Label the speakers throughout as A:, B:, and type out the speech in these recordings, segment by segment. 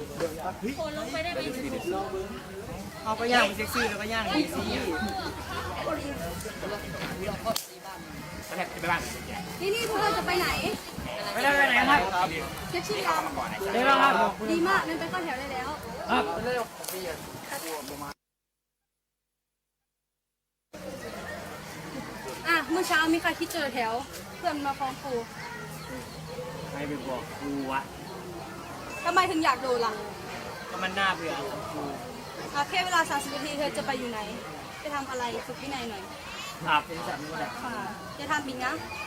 A: โคนลงไปได้ไหม
B: เอาไปย่างเซ็กซี่แล้วก็ย่างเซ็กซี่ไปบ้าน
C: นี่พวกเราจะไปไหน
B: ไปได้ไปไหนครับ
C: เช็คชื่อกัน
B: ได้แล้วครับ
C: ดีมากงั้นไปเข้าแถวได้แล้ว
B: ครับ
C: เมื่อเช้ามีใครที่เจอแถวเพื่อนมาฟ้องครู
B: ใครไปบอกครูวะ
C: ทำไมถึงอยากดูล่ะ
B: ก็มันน่าเบื่อครู
C: แค่เวลา30 นาทีเธอจะไปอยู่ไหนไปทำอะไรฝึกวินัยหน่อย
B: ครับเป็นสัตว์นี่แหละ
C: ค่ะจะทำบินนะ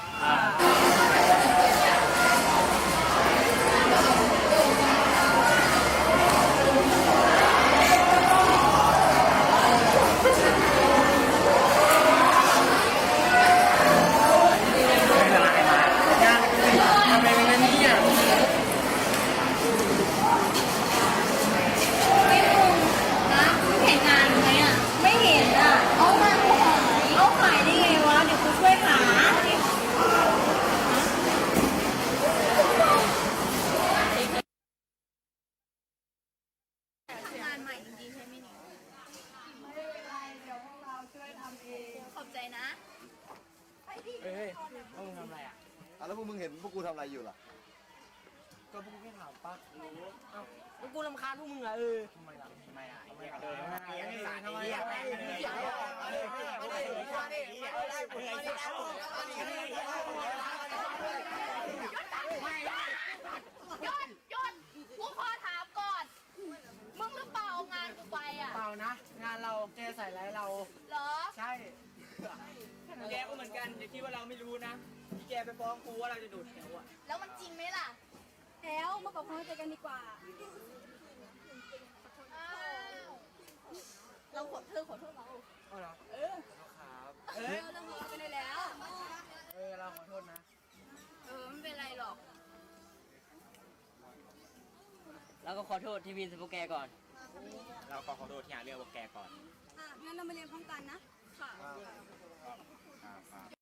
A: เห็นงานไหมอ่ะไม่เห็นอ่ะเอามาเอาขายได้ไงวะเดี๋ยวกูช่วยหางานใหม่จริงๆใช่ไหมเนี่ยไม่เป็นไรเดี๋ยวพวกเราช่วยทำเองขอบใจนะ
B: เฮ้ยพวกมึงทำอะไรอ่ะ
D: แล้วพวกมึงเห็นพวกกูทำอะไรอยู่ล่ะ
B: ก็พวกกูแค่ถามปั๊กรู้เอ้าพวกกูรำคาญพวกมึงอ่ะทำไมล่ะทำไมอ่ะทำไม
A: ยนกูขอถามก่อน มึงหรือเปล่าเอางานกูไปอ่ะ
B: เปล่านะ งานเราแกใส่ร้ายเรา
A: เหรอ
B: ใช่แกก็เหมือนกันอย่าคิดว่าเราไม่รู้นะที่แกไปฟ้องครูว่าเราจะดูดแถวอ่ะ
A: แล้วมันจริงไหมล่ะ
C: แล้วมาปรับความเข้าใจกันดีกว่า
A: อ้าวเราขอโทษเรา
B: เอาเหรอครับ
C: เราหัวกันได้แล้ว
B: เราขอโทษนะ
A: ไม่เป็นไรหรอก
E: แล้วก็ขอโทษที่วินสโปแกก่อน
B: เราขอโทษที่หาเรื่องพวกแกก่อน
C: งั้นเรามาเรียนพร้อมกันนะ ค่ะ